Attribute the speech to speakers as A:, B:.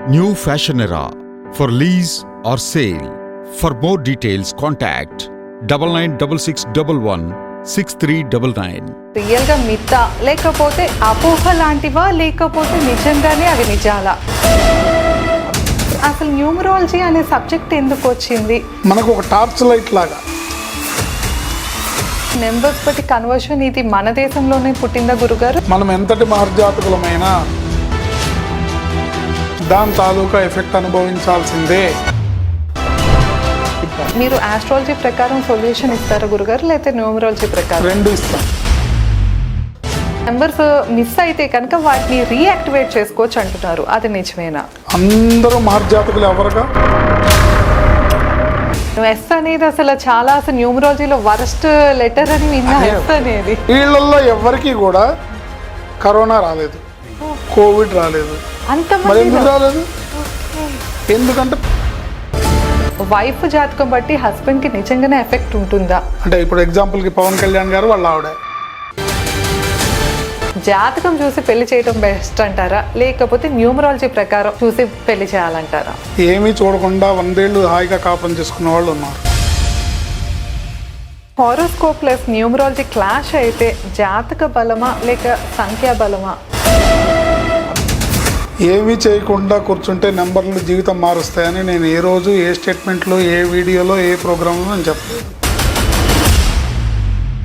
A: New Fashion Era for lease or sale. For more details, contact 9966116399.
B: Real గా మిత్తా లేకపోతే అపోహ లాంటివా లేకపోతే నిజంగానే అవి నిజాలా? అసలు న్యూమరాలజీ అనే సబ్జెక్ట్ ఎందుకు వచ్చింది?
C: మనకు ఒక టార్చ్ లైట్ లాగా
B: నెంబర్స్ బట్టి కన్వర్షన్ ఇది మన దేశంలోనే పుట్టిందా గురుగారు?
C: మనం ఎంతటి మహర్జాతకులమైనా దాని తాలూకా ఎఫెక్ట్ అనుభవించాల్సిందే.
B: మీరు ఆస్ట్రాలజీ ప్రకారం సొల్యూషన్ ఇస్తారా గురుగారు, లేకపోతే న్యూమరాలజీ ప్రకారం?
C: రెండు ఇస్తాం.
B: నెంబర్స్ మిస్ అయితే కనుక వాటిని రీయాక్టివేట్ చేసుకోవచ్చు అంటున్నారు, అది నిజమేనా?
C: అందరూ మహర్జాతకులు ఎవరుగా?
B: ఎస్ అనేది అసలు న్యూమరాలజీలో వరస్ట్ లెటర్ అని విన్నా. ఎస్ అనేది
C: వీళ్ళల్లో ఎవరికి కూడా కరోనా రాలేదు, కోవిడ్ రాలేదు. మరి ఎందుకు రాలేదు? ఎందుకంటే
B: వైఫ్ జాతకం బట్టి హస్బెండ్ కి నిజంగానే ఎఫెక్ట్ ఉంటుందా?
C: అంటే ఇప్పుడు ఎగ్జాంపుల్ కి పవన్ కళ్యాణ్ గారు వాళ్ళ ఆవిడ
B: జాతకం చూసి పెళ్లి చేయడం బెస్ట్ అంటారా, లేకపోతే న్యూమరాలజీ ప్రకారం చూసి పెళ్లి చేయాలంటారా?
C: ఏమీ చూడకుండా 100 ఏళ్ళు హాయిగా కాపురం చేసుకున్న వాళ్ళు ఉన్నారు.
B: హారోస్కోప్ ప్లస్ న్యూమరాలజీ క్లాష్ అయితే జాతక బలమా లేక సంఖ్యా బలమా?
C: ఏమీ చేయకుండా కూర్చుంటే నెంబర్లు జీవితం మారుస్తాయని నేను ఏ రోజు ఏ స్టేట్మెంట్లో ఏ వీడియోలో ఏ ప్రోగ్రాంలో నేను చెప్పలేదు.